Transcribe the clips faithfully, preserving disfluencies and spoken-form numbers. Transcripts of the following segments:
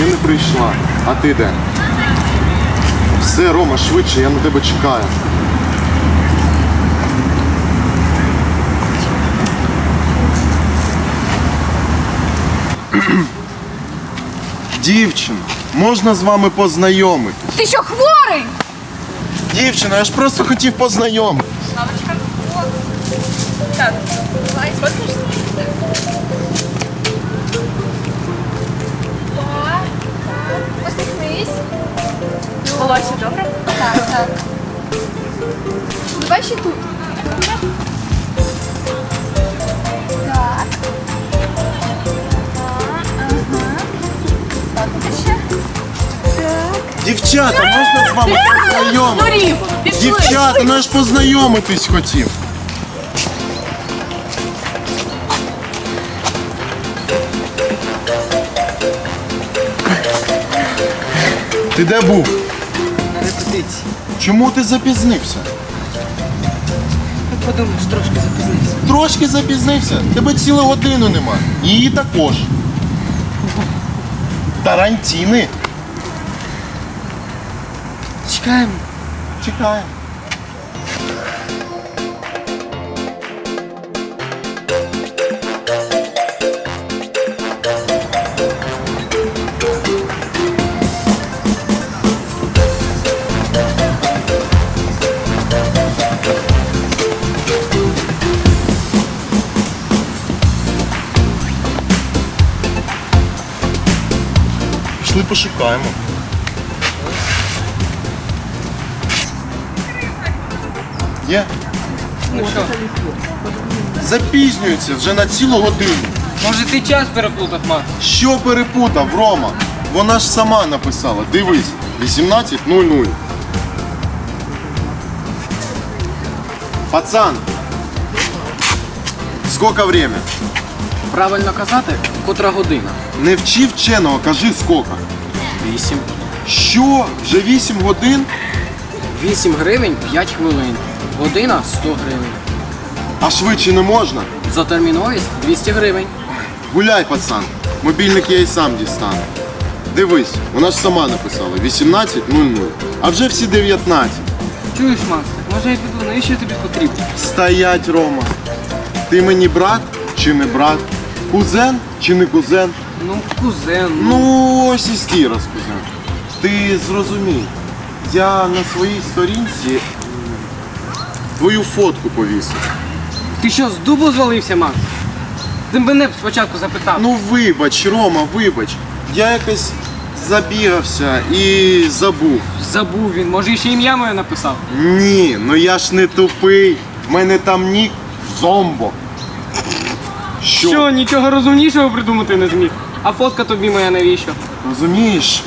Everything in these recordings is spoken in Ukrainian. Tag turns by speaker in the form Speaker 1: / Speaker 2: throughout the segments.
Speaker 1: ще не прийшла. А ти де? Все, Рома, швидше, я на тебе чекаю. Дівчино, можна з вами познайомитись?
Speaker 2: Ти що, хворий?
Speaker 1: Дівчино, я ж просто хотів познайомитись.
Speaker 2: Славочка, о. Так, давай, сфоткаєшся? Так, так. Посміхнись. Волосся, добре? Так, так. Давай ще тут. Так. Ага. Так, тут ще. Так.
Speaker 1: Дівчата, можна з вами познайомитись?
Speaker 2: Нурів, пішли.
Speaker 1: Дівчата, ну я ж познайомитись хотів. Ти де був?
Speaker 3: На репетиції.
Speaker 1: Чому ти запізнився?
Speaker 3: Ну, подумаєш, трошки запізнився.
Speaker 1: Трошки запізнився. Тебе цілу годину нема. Її також. Тарантіни.
Speaker 3: Чекаємо.
Speaker 1: Чекаємо. Пішли пошукаємо. Є?
Speaker 3: Ну що,
Speaker 1: Запізнюється вже на цілу годину.
Speaker 3: може ти час переплутав, Макс?
Speaker 1: Що перепутав, Рома? Вона ж сама написала. Дивись, вісімнадцять нуль нуль. Пацан, скільки время?
Speaker 3: Правильно казати, котра година?
Speaker 1: Не вчи вченого, кажи скільки.
Speaker 3: Вісім.
Speaker 1: Що? Вже вісім годин?
Speaker 3: Вісім гривень п'ять хвилин. Година сто гривень.
Speaker 1: А швидше не можна?
Speaker 3: За терміновість двісті гривень.
Speaker 1: Гуляй, пацан. Мобільник я і сам дістану. Дивись, вона ж сама написала вісімнадцять нуль нуль. А вже всі дев'ятнадцять.
Speaker 3: Чуєш, Макс, так може я піду, навіщо тобі потрібно?
Speaker 1: Стоять, Рома. Ти мені брат чи не брат? Кузен чи не кузен?
Speaker 3: Ну, кузен.
Speaker 1: Ну, ось і стій розкузен. Ти зрозумій, я на своїй сторінці м, твою фотку повісив.
Speaker 3: Ти що, з дубу звалився, Макс? Ти мене б спочатку запитав.
Speaker 1: Ну вибач, Рома, вибач. Я якось забігався і забув.
Speaker 3: Забув він, може ще ім'я моє написав.
Speaker 1: Ні, ну я ж не тупий. В мене там нік Зомбо. Що?
Speaker 3: Що, нічого розумнішого придумати не зміг? А фотка тобі моя навіщо?
Speaker 1: Розумієш?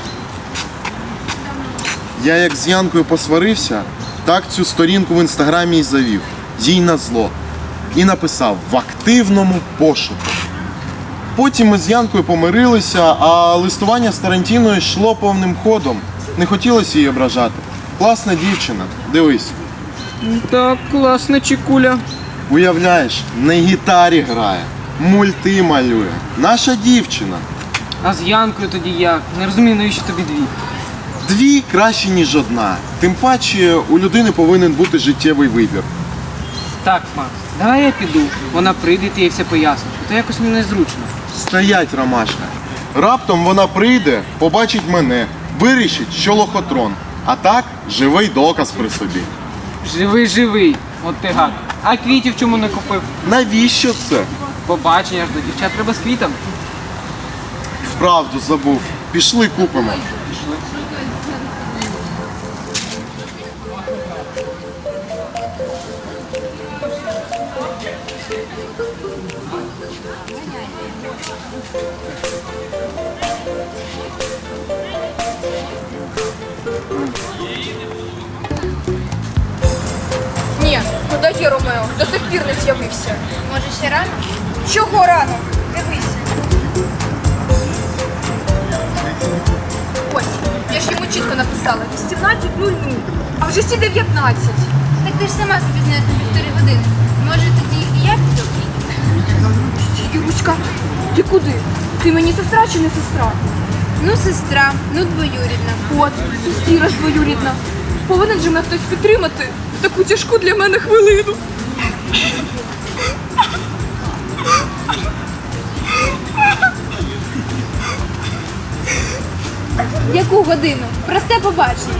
Speaker 1: Я як з Янкою посварився, так цю сторінку в інстаграмі і завів. Їй назло. І написав в активному пошуку. Потім ми з Янкою помирилися, а листування з Тарантіною йшло повним ходом. Не хотілося її ображати. Класна дівчина. Дивись.
Speaker 3: Так, класна чекуля.
Speaker 1: Уявляєш, на гітарі грає, мульти малює. Наша дівчина.
Speaker 3: А з Янкою тоді як? Не розумію, навіщо тобі дві?
Speaker 1: Дві краще, ніж одна. Тим паче у людини повинен бути життєвий вибір.
Speaker 3: Так, Макс, давай я піду. Вона прийде, ти їй все поясниш. А то якось мені незручно.
Speaker 1: Стоять, Ромашка. Раптом вона прийде, побачить мене, вирішить, що лохотрон. А так, живий доказ при собі.
Speaker 3: Живий, живий. От ти гад. А квітів чому не купив?
Speaker 1: Навіщо це?
Speaker 3: Побачення ж до дівчат треба з квітами.
Speaker 1: Вправду забув. Пішли купимо.
Speaker 3: Пішли.
Speaker 2: Ні, куди є Ромео? До сих пір не з'явився.
Speaker 4: Може, ще рано?
Speaker 2: Чого рано? Дивись. Ось, я ж йому чітко написала вісімнадцять нуль нуль, а вже всі дев'ятнадцять.
Speaker 4: Так ти ж сама запізнилась на півтори години. Може, тоді і я піду?
Speaker 2: Юрочка, ти куди? Ти мені сестра чи не сестра?
Speaker 4: Ну, сестра, ну, двоюрідна.
Speaker 2: От, і Іра ж двоюрідна. Повинен же мене хтось підтримати в таку тяжку для мене хвилину.
Speaker 4: Яку годину? Просте побачення.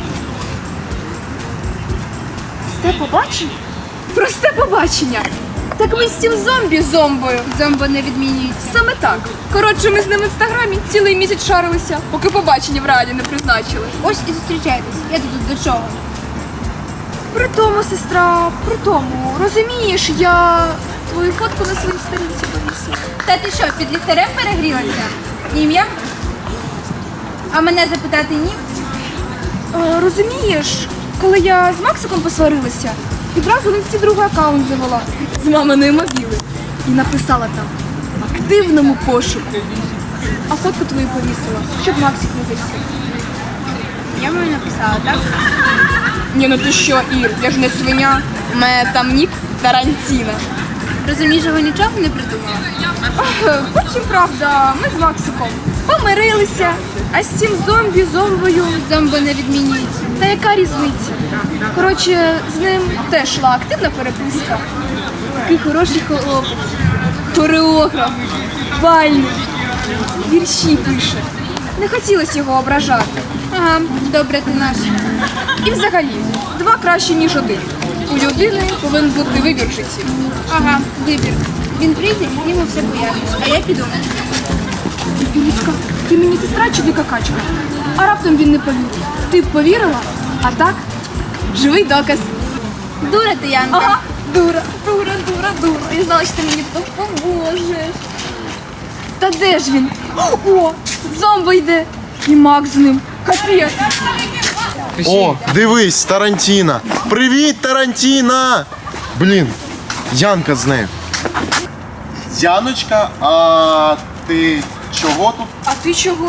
Speaker 2: Просте побачення? Просте побачення. Так ми з цим зомбі-зомбою.
Speaker 4: Зомбо не відмінюють.
Speaker 2: Саме так. Коротше, ми з ним в інстаграмі цілий місяць шарилися, поки побачення в раді не призначили.
Speaker 4: Ось і зустрічайтесь. Я тут до чого?
Speaker 2: При тому, сестра, при тому, розумієш, я твою фотку на своїй сторінці повісила.
Speaker 4: Та ти що, під ліхтарем перегрілася? Ім'я? А мене запитати ні?
Speaker 2: Е, розумієш, коли я з Максиком посварилася, відразу в інсті другий аккаунт завела з маминої мобіли і написала там в активному пошуку. А фотку твою повісила, щоб Максик не засів.
Speaker 4: Я мені написала, так?
Speaker 2: Ні, ну ти що, Ір, я ж не свиня. У мене там нік Тарантіна.
Speaker 4: Розумієш, його нічого не придумала?
Speaker 2: Е, Потім, правда, ми з Максиком помирилися, а з цим зомбі, зомбою.
Speaker 4: Зомбо не відмінюють.
Speaker 2: Та яка різниця? Коротше, з ним теж йшла активна переписка. Такий хороший хлопець, хореограф, бальник, вірші пише. Не хотілося його ображати.
Speaker 4: Ага, добре ти наш.
Speaker 2: І взагалі, два краще, ніж один. У людини повинен бути вибір в житті.
Speaker 4: Ага, вибір. Він прийде, йому все поясниш, а я піду.
Speaker 2: Юлічка, ти мені сестра чи дика качка? А раптом він не повірив. Ти б повірила, а так живий доказ.
Speaker 4: Дура ти, Янка.
Speaker 2: Ага, дура, дура, дура, дура. Я знала, що ти мені допоможеш. Та де ж він? О, зомбо йде. І Макс з ним. Капець.
Speaker 1: О, дивись, Тарантіна. Привіт, Тарантіна! Блін, Янка з нею. Яночка, а ти чого тут?
Speaker 2: А ти чого?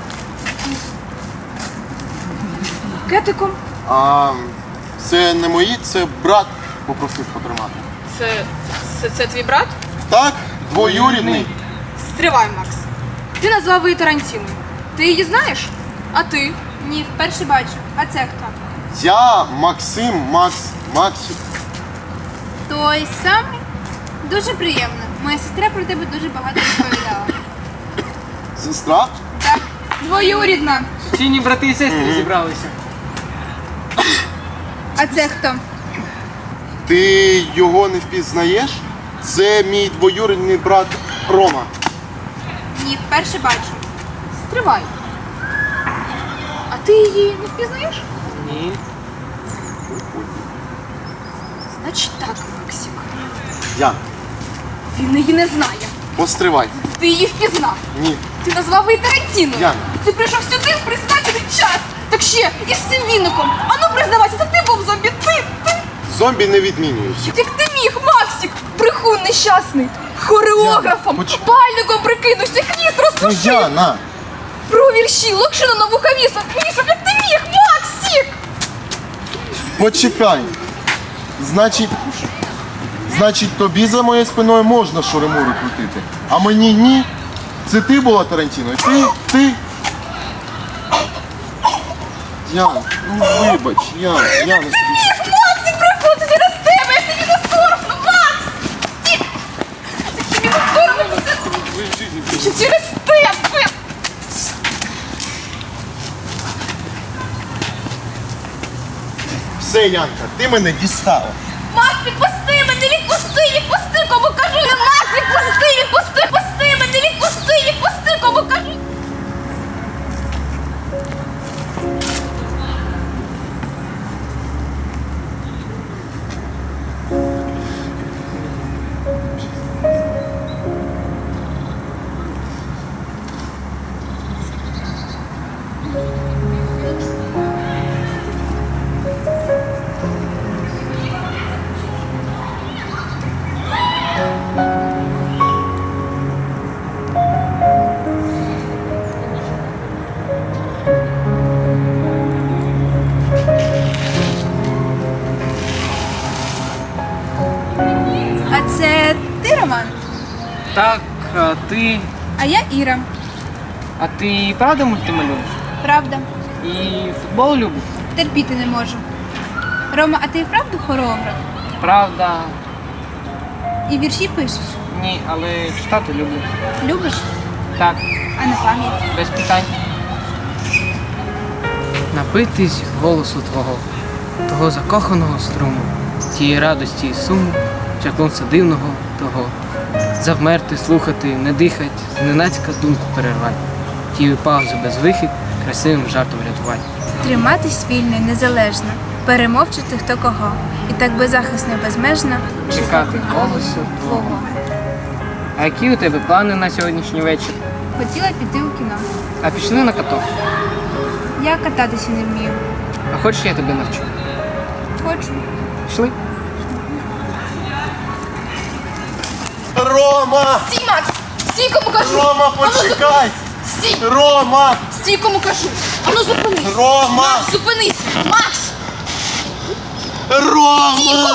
Speaker 2: З Кетиком?
Speaker 1: А це не мої, це брат попросив потримати.
Speaker 2: Це, це, це твій брат?
Speaker 1: Так, двоюрідний.
Speaker 2: Стривай, Макс. Ти назвав її Тарантіною. Ти її знаєш? А ти?
Speaker 4: Ні, вперше бачу. А це хто?
Speaker 1: Я Максим, Макс, Максик.
Speaker 4: Той самий? Дуже приємно. Моя сестра про тебе дуже багато розповідала.
Speaker 1: Сестра?
Speaker 4: Так.
Speaker 2: Двоюрідна.
Speaker 3: Сусідні брати і сестри зібралися.
Speaker 4: А це хто?
Speaker 1: Ти його не впізнаєш? Це мій двоюрідний брат Рома.
Speaker 4: Ні, вперше бачу.
Speaker 2: Стривай. А ти її не впізнаєш?
Speaker 3: Ні.
Speaker 2: Значить так, Максик.
Speaker 1: Ян,
Speaker 2: Він її не знає.
Speaker 1: постривай.
Speaker 2: Ти її впізнав.
Speaker 1: Ні.
Speaker 2: Ти назвав її Тарантіною.
Speaker 1: Ян.
Speaker 2: Ти прийшов сюди в призначений час. Так ще і з цим віником. А ну признавайся, це ти був зомбі. Ти, ти.
Speaker 1: Зомбі не відмінюють.
Speaker 2: Як ти міг, Максик? Брехун нещасний. Хореографом,
Speaker 1: Яна, поч-
Speaker 2: пальником прикинувся, хвіст
Speaker 1: Ну,
Speaker 2: розпушив.
Speaker 1: Яна!
Speaker 2: Про вірші, локшину на вуха вісом. Вішав, як ти міг, Максик?
Speaker 1: Почекай. Значить, значить, тобі за моєю спиною можна шуримури крутити, а мені ні. Це ти була Тарантіною? Ти? Ти? Ян, ну вибач, Ян, Яна.
Speaker 2: Міг, Максик, брехун, це через тебе, я тобі не соромно, Макс! Ти! Тобі не соромно, це... Що через тебе?
Speaker 1: Все, Янка, ти мене дістала.
Speaker 2: Макс, відпусти мене, відпусти, відпусти, кому кажу! Макс, відпусти, відпусти, відпусти мене, відпусти, відпусти, кому кажу!
Speaker 4: А це ти, Роман?
Speaker 3: Так, а ти.
Speaker 4: А я Іра.
Speaker 3: А ти правда мультималюєш?
Speaker 4: Правда.
Speaker 3: І футбол любиш?
Speaker 4: Терпіти не можу. Рома, а ти і вправду хореограф?
Speaker 3: Правда.
Speaker 4: І вірші пишеш?
Speaker 3: Ні, але читати люблю.
Speaker 4: Любиш?
Speaker 3: Так,
Speaker 4: А на пам'ять?
Speaker 3: без питань. Напитись голосу твого, того закоханого струму, тієї радості і суму, чаклунця дивного того. Завмерти, слухати, не дихать, зненацька думку перервать, тію паузу без вихід, красивим жартом рятувати.
Speaker 5: Триматись вільно і незалежно, перемовчити хто кого, і так беззахисно і безмежно
Speaker 3: Чекати голосу твого. А які у тебе плани на сьогоднішній вечір?
Speaker 4: Хотіла піти у кіно.
Speaker 3: А пішли на каток.
Speaker 4: Я кататися не вмію.
Speaker 3: А хочеш, я тебе навчу?
Speaker 4: Хочу.
Speaker 3: Пішли?
Speaker 1: Рома!
Speaker 2: Стій, Макс! Стій, кому кажу!
Speaker 1: Рома,
Speaker 2: Ану,
Speaker 1: почекай!
Speaker 2: Стій!
Speaker 1: Рома!
Speaker 2: Стій, кому кажу! Ану, зупинись!
Speaker 1: Рома!
Speaker 2: Макс, зупинись! Макс!
Speaker 1: Рома!